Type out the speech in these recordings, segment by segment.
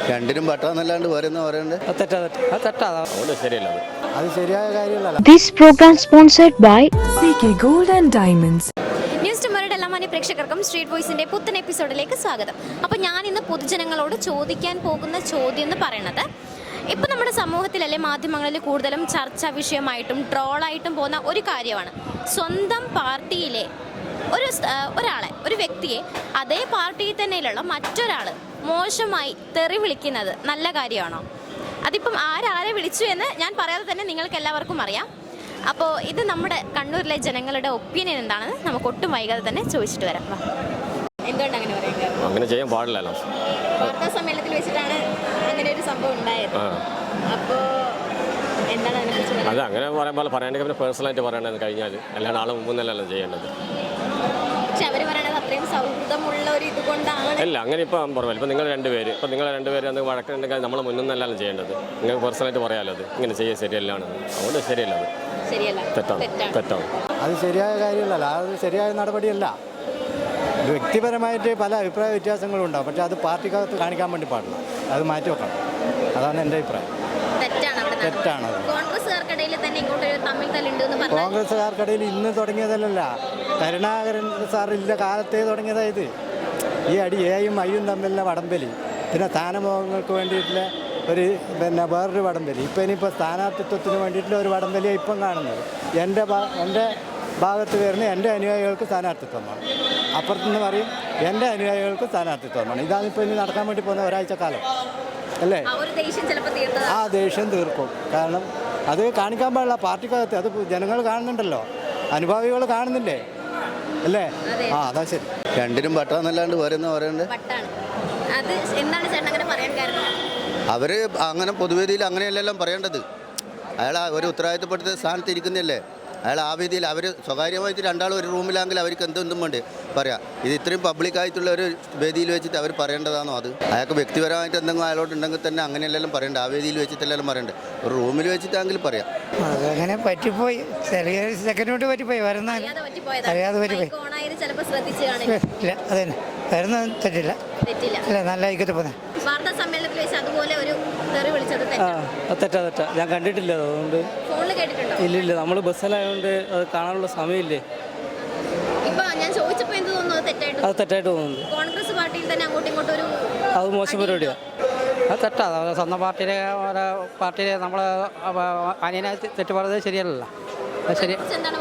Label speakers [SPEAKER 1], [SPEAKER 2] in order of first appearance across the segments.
[SPEAKER 1] രണ്ടിനും പട്ടാന്നല്ലാണ്ട് വേറെ പറയുന്നത്
[SPEAKER 2] അത് ശരിയായ കാര്യമല്ല.
[SPEAKER 3] This program sponsored by
[SPEAKER 4] CK Gold and Diamonds.
[SPEAKER 5] News ടുമോയുടെ എല്ലാ മാന്യ പ്രേക്ഷകർക്കും സ്ട്രീറ്റ് വോയിസിന്റെ പുത്തൻ എപ്പിസോഡിലേക്ക് സ്വാഗതം. അപ്പോൾ ഞാൻ ഇന്ന് പൊതുജനങ്ങളോട് ചോദിക്കാൻ പോകുന്ന ചോദ്യം എന്ന് പറയുന്നത്, ഇപ്പം നമ്മുടെ സമൂഹത്തിലല്ലേ മാധ്യമങ്ങളിൽ കൂടുതലും ചർച്ചാ വിഷയമായിട്ടും ട്രോളായിട്ടും പോകുന്ന ഒരു കാര്യമാണ് സ്വന്തം പാർട്ടിയിലെ ഒരു വ്യക്തിയെ അതേ പാർട്ടിയിൽ തന്നെയുള്ള മറ്റൊരാൾ മോശമായി തെറി വിളിക്കുന്നത് നല്ല കാര്യമാണോ? അതിപ്പം ആരെ വിളിച്ചു എന്ന് ഞാൻ പറയാതെ തന്നെ നിങ്ങൾക്ക് എല്ലാവർക്കും അറിയാം. അപ്പോൾ ഇത് നമ്മുടെ കണ്ണൂരിലെ ജനങ്ങളുടെ ഒപ്പീനിയൻ എന്താണെന്ന് നമുക്ക് ഒട്ടും വൈകാതെ തന്നെ ചോദിച്ചിട്ട് വരാം. എന്തുകൊണ്ട് അങ്ങനെ പറയുന്നത്?
[SPEAKER 6] അങ്ങനെ ചെയ്യാൻ പാടില്ലല്ലോ.
[SPEAKER 5] വാർത്താ സമ്മേളനത്തിൽ വെച്ചിട്ടാണ് അങ്ങനെ ഒരു സംഭവം ഉണ്ടായത്. അപ്പോൾ എന്താണ് അതിനെക്കുറിച്ച്?
[SPEAKER 6] അത് അങ്ങനെ പറയുമ്പോൾ പറയണമെങ്കിൽ പിന്നെ പേഴ്സണലായിട്ട് പറയണത് കഴിഞ്ഞാൽ അല്ലാണ്ട് ആളെ മുമ്പ് നിന്നല്ല ചെയ്യേണ്ടത്.
[SPEAKER 5] പക്ഷെ അവർ പറയണത് അത്രയും സൗഹൃദമുള്ള ഒരു ഇതുകൊണ്ടാണ്.
[SPEAKER 6] അല്ല, അങ്ങനെ ഇപ്പം പറഞ്ഞാൽ ഇപ്പം നിങ്ങൾ രണ്ടുപേര് അന്ന് വഴക്കുണ്ടെങ്കിൽ നമ്മൾ മുന്നിൽ നിന്നല്ല ചെയ്യേണ്ടത്. നിങ്ങൾക്ക് പേഴ്സണലായിട്ട് പറയാമല്ലോ അത് ഇങ്ങനെ ചെയ്യാൻ ശരിയല്ലാണ്. അതുകൊണ്ട് ശരിയല്ല, അത് തെറ്റാണ്.
[SPEAKER 2] അത് ശരിയായ കാര്യമല്ല, അത് ശരിയായ നടപടിയല്ല. വ്യക്തിപരമായിട്ട് പല അഭിപ്രായ വ്യത്യാസങ്ങളും ഉണ്ടാവും, പക്ഷേ അത് പാർട്ടിക്കകത്ത് കാണിക്കാൻ വേണ്ടി പാടില്ല. അത് മാറ്റി വെക്കണം. അതാണ് എൻ്റെ അഭിപ്രായം. തെറ്റാണ്. കോൺഗ്രസ്സുകാർക്കിടയിൽ ഇന്ന് തുടങ്ങിയതല്ല, കരുണാകരൻ സാറില്ല കാലത്തേ തുടങ്ങിയതായത്. ഈ അടി എയും ഐയും തമ്മിലുള്ള വടംവലി, പിന്നെ സ്ഥാനമോഹങ്ങൾക്ക് വേണ്ടിയിട്ടുള്ള വേറൊരു വടംവലി, ഇനിയിപ്പോൾ സ്ഥാനാർത്ഥിത്വത്തിന് വേണ്ടിയിട്ടുള്ള ഒരു വടംവലിയാണ് ഇപ്പം കാണുന്നത്. എൻ്റെ ഭാഗത്ത് വരുന്ന എൻ്റെ അനുയായികൾക്ക് സ്ഥാനാർത്ഥിത്വം വേണം, അപ്പുറത്തുനിന്ന് പറയും എൻ്റെ അനുയായികൾക്ക് സ്ഥാനാർത്ഥിത്വം വേണം. ഇതാണ് ഇപ്പോൾ ഇനി നടക്കാൻ വേണ്ടി പോകുന്ന ഒരാഴ്ച കാലം അല്ലേ? ആ ദേഷ്യം തീർക്കും. കാരണം അത് കാണിക്കാൻ പാടില്ല പാർട്ടിക്കകത്ത്. അത് ജനങ്ങൾ കാണുന്നുണ്ടല്ലോ, അനുഭാവികൾ കാണുന്നില്ലേ അല്ലേ? അതാ ശരി.
[SPEAKER 1] രണ്ടിനും പട്ടാന്നല്ലാണ്ട് വേറെ പറയുന്നത്. അവർ അങ്ങനെ പൊതുവേദിയിൽ അങ്ങനെയല്ലെല്ലാം പറയേണ്ടത്. അയാൾ ഒരു ഉത്തരവാദിത്തപ്പെടുത്ത സ്ഥാനത്ത് ഇരിക്കുന്നതല്ലേ. അയാൾ ആ വേദിയിൽ അവർ സ്വകാര്യമായിട്ട് രണ്ടാളും ഒരു റൂമിലാണെങ്കിൽ അവർക്ക് എന്തും വേണ്ടി പറയാം. ഇത് ഇത്രയും പബ്ലിക്കായിട്ടുള്ള ഒരു വേദിയിൽ വെച്ചിട്ട് അവർ പറയേണ്ടതാണോ? അത് അയാൾക്ക് വ്യക്തിപരമായിട്ട് എന്തെങ്കിലും അയാളോട്ടുണ്ടെങ്കിൽ തന്നെ അങ്ങനെയല്ലെല്ലാം പറയണ്ട. ആ വേദിയിൽ വെച്ചിട്ടെല്ലാം പറയണ്ടേ, ഒരു റൂമിൽ വെച്ചിട്ടാണെങ്കിൽ പറയാം.
[SPEAKER 7] അതങ്ങനെ പറ്റിപ്പോയി, ചെറിയ സെക്കൻഡ് പറ്റിപ്പോയി. അറിയാതെ പറ്റിപ്പോയി. അതന്നെ വരുന്നത് തെറ്റില്ല. അല്ല, നല്ല ഐക്യത്തിൽ പോകുന്നത്.
[SPEAKER 8] തെറ്റാ. ഞാൻ കണ്ടിട്ടില്ല, അതുകൊണ്ട് ഇല്ലില്ല. നമ്മൾ ബസ്സിലായതുകൊണ്ട് അത് കാണാനുള്ള സമയമില്ലേ. അത് തെറ്റായിട്ട് തോന്നുന്നുണ്ട്. അത് മോശം പരിപാടിയാണ്. അത് തെറ്റാ. സ്വന്തം പാർട്ടിയിലെ നമ്മളെ അനിയനെ തെറ്റ് പറയുന്നത് ശരിയല്ലല്ലോ. അത് ശരി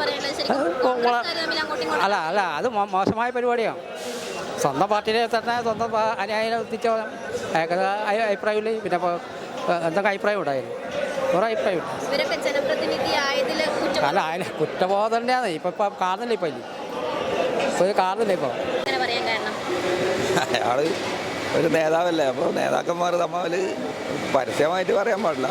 [SPEAKER 8] അല്ല, അത് മോശമായ പരിപാടിയാണ്. സ്വന്തം പാർട്ടിയിലെ തന്നെ സ്വന്തം അനുയായിനെ എത്തിച്ച അഭിപ്രായമില്ലേ. പിന്നെ എന്തൊക്കെ അഭിപ്രായം ഉണ്ടായിരുന്നു? ഓരോ അഭിപ്രായം അല്ല, അതിന് കുറ്റബോധം തന്നെയാണ്. ഇപ്പം കാണുന്നില്ല. ഇപ്പോൾ കാണുന്നില്ല. ഇപ്പോൾ
[SPEAKER 9] അയാൾ ഒരു നേതാവല്ലേ, അപ്പോൾ നേതാക്കന്മാർ തമ്മിൽ പരസ്യമായിട്ട് പറയാൻ പാടില്ല.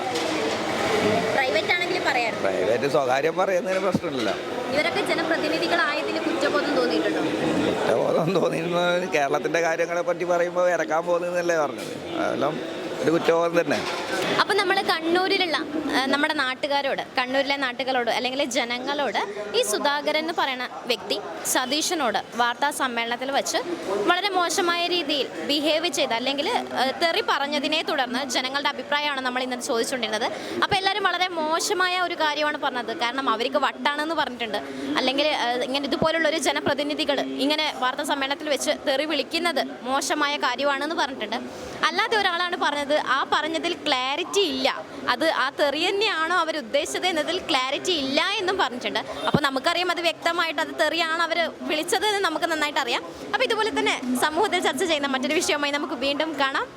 [SPEAKER 9] പ്രൈവറ്റ് സ്വകാര്യം പറയുന്നതിന് പ്രശ്നമില്ല. കുറ്റബോധം തോന്നിയിരുന്നു. കേരളത്തിൻ്റെ കാര്യങ്ങളെ പറ്റി പറയുമ്പോൾ ഇറക്കാൻ പോകുന്നതല്ലേ പറഞ്ഞത്. അതെല്ലാം ഒരു കുറ്റബോധം തന്നെ.
[SPEAKER 5] അപ്പം നമ്മൾ കണ്ണൂരിലുള്ള നമ്മുടെ കണ്ണൂരിലെ നാട്ടുകാരോട് അല്ലെങ്കിൽ ജനങ്ങളോട് ഈ സുധാകരൻ എന്ന് പറയുന്ന വ്യക്തി സതീശനോട് വാർത്താ സമ്മേളനത്തിൽ വെച്ച് വളരെ മോശമായ രീതിയിൽ ബിഹേവ് ചെയ്ത് അല്ലെങ്കിൽ തെറി പറഞ്ഞതിനെ തുടർന്ന് ജനങ്ങളുടെ അഭിപ്രായമാണ് നമ്മൾ ഇന്ന് ചോദിച്ചുകൊണ്ടിരുന്നത്. അപ്പോൾ എല്ലാവരും വളരെ മോശമായ ഒരു കാര്യമാണ് പറഞ്ഞത്. കാരണം അവർക്ക് വട്ടാണെന്ന് പറഞ്ഞിട്ടുണ്ട്. അല്ലെങ്കിൽ ഇങ്ങനെ ഇതുപോലുള്ളൊരു ജനപ്രതിനിധികൾ ഇങ്ങനെ വാർത്താ സമ്മേളനത്തിൽ വെച്ച് തെറി വിളിക്കുന്നത് മോശമായ കാര്യമാണെന്ന് പറഞ്ഞിട്ടുണ്ട്. അല്ലാതെ ഒരാളാണ് പറഞ്ഞത്, ആ പറഞ്ഞതിൽ ക്ലാരിറ്റി ഇല്ല, അത് ആ തെറി തന്നെയാണോ അവർ ഉദ്ദേശിച്ചത് എന്നതിൽ ക്ലാരിറ്റി ഇല്ല എന്നും പറഞ്ഞിട്ടുണ്ട്. അപ്പോൾ നമുക്കറിയാം അത് വ്യക്തമായിട്ട് അത് തെറിയാണ് അവർ വിളിച്ചത് എന്ന് നമുക്ക് നന്നായിട്ട് അറിയാം. അപ്പോൾ ഇതുപോലെ തന്നെ സമൂഹത്തിൽ ചർച്ച ചെയ്യുന്ന മറ്റൊരു വിഷയവുമായി നമുക്ക് വീണ്ടും കാണാം.